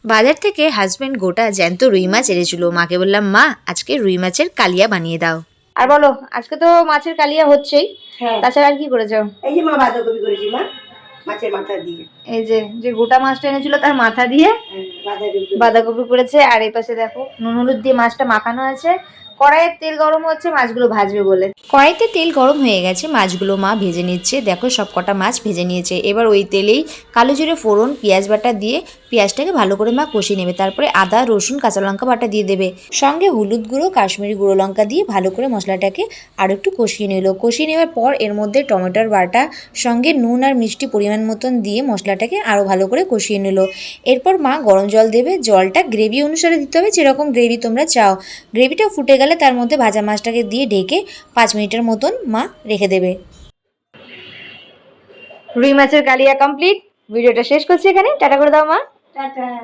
বাজার থেকে হাজবেন্ড গোটা জ্যান্ত রুই মাছ এনেছিল। মাকে বললাম, মা আজকে রুই মাছের কালিয়া বানিয়ে দাও। আর বলো, আজকে তো মাছের কালিয়া হচ্ছেই, তাছাড়া আর কি করেছো? এই যে মা বাঁধাকপি করেছি মা, মাছের মাথা দিয়ে। এই যে গোটা মাছটা এনেছিল তার মাথা দিয়ে বাঁধাকপি করেছে। আর এই পাশে দেখো নুন হলুদ দিয়ে মাছটা মাখানো আছে। কড়াইয়ের তেল গরম হচ্ছে মাছগুলো ভাজবে বলে। কড়াইতে তেল গরম হয়ে গেছে, মাছগুলো মা ভেজে নিচ্ছে। দেখো সব কটা মাছ ভেজে নিয়েছে। এবার ওই তেলেই কালো জিরে ফোড়ন পেঁয়াজ বাটা দিয়ে পেঁয়াজটাকে ভালো করে মা কষিয়ে নেবে। তারপরে আদা রসুন কাঁচা লঙ্কা বাটা দিয়ে দেবে, সঙ্গে হলুদ গুঁড়ো কাশ্মীরি গুঁড়ো লঙ্কা দিয়ে ভালো করে মশলাটাকে আরও একটু কষিয়ে নিল। কষিয়ে নেওয়ার পর এর মধ্যে টমেটোর বাটা সঙ্গে নুন আর মিষ্টি পরিমাণ মতন দিয়ে মশলাটাকে আরও ভালো করে কষিয়ে নিল। এরপর মা গরম জল দেবে, জলটা গ্রেভি অনুসারে দিতে হবে, যেরকম গ্রেভি তোমরা চাও। গ্রেভিটা ফুটে গেলে তার মধ্যে ভাজা মাছটাকে দিয়ে ঢেকে 5 মিনিটের মতন মা রেখে দেবে। রুই মাছের কালিয়া কমপ্লিট। ভিডিওটা শেষ করছি এখানে। টাটা করে দাও মা। টাটা।